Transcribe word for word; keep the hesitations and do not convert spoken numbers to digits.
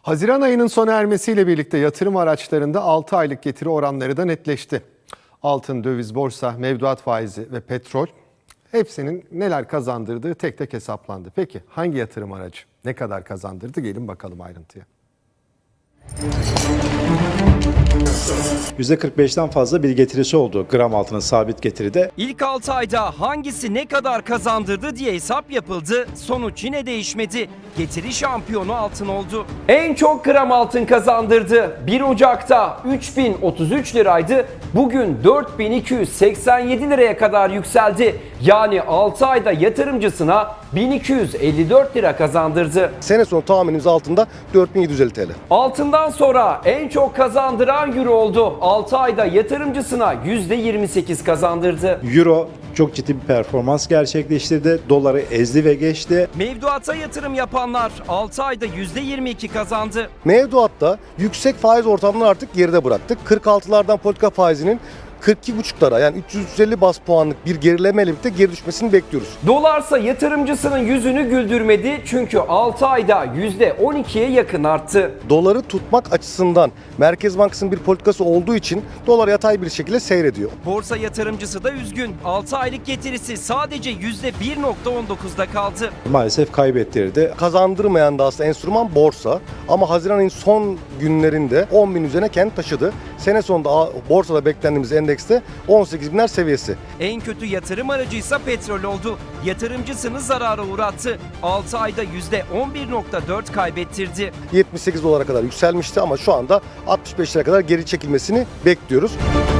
Haziran ayının sona ermesiyle birlikte yatırım araçlarında altı aylık getiri oranları da netleşti. Altın, döviz, borsa, mevduat faizi ve petrol hepsinin neler kazandırdığı tek tek hesaplandı. Peki hangi yatırım aracı ne kadar kazandırdı? Gelin bakalım ayrıntıya. yüzde kırk beşten fazla bir getirisi oldu gram altının sabit getiride. İlk altı ayda hangisi ne kadar kazandırdı diye hesap yapıldı. Sonuç yine değişmedi. Getiri şampiyonu altın oldu. En çok gram altın kazandırdı. bir Ocak'ta üç bin otuz üç liraydı. Bugün dört bin iki yüz seksen yedi liraya kadar yükseldi. Yani altı ayda yatırımcısına bin iki yüz elli dört lira kazandırdı. Sene sonu tahminimiz altında dört bin yedi yüz elli TL. Altından sonra en çok kazandıran euro oldu. altı ayda yatırımcısına yüzde yirmi sekiz kazandırdı. Euro çok ciddi bir performans gerçekleştirdi. Doları ezdi ve geçti. Mevduata yatırım yapanlar altı ayda yüzde yirmi iki kazandı. Mevduatta yüksek faiz ortamını artık geride bıraktık. kırk altılardan politika faizinin kırk iki buçuklara yani üç yüz üç yüz elli bas puanlık bir gerilemeyle birlikte geri düşmesini bekliyoruz. Dolarsa yatırımcısının yüzünü güldürmedi çünkü altı ayda yüzde on ikiye yakın arttı. Doları tutmak açısından Merkez Bankası'nın bir politikası olduğu için dolar yatay bir şekilde seyrediyor. Borsa yatırımcısı da üzgün. altı aylık getirisi sadece yüzde bir virgül on dokuzda kaldı. Maalesef kaybettirdi. Kazandırmayan da aslında enstrüman borsa ama Haziran ayının son günlerinde on bin üzerine kendi taşıdı. Sene sonunda borsada beklendiğimiz endekste on sekiz binler seviyesi. En kötü yatırım aracıysa petrol oldu. Yatırımcısını zarara uğrattı. altı ayda yüzde on bir virgül dört kaybettirdi. yetmiş sekiz dolara kadar yükselmişti ama şu anda altmış beş liraya kadar geri çekilmesini bekliyoruz.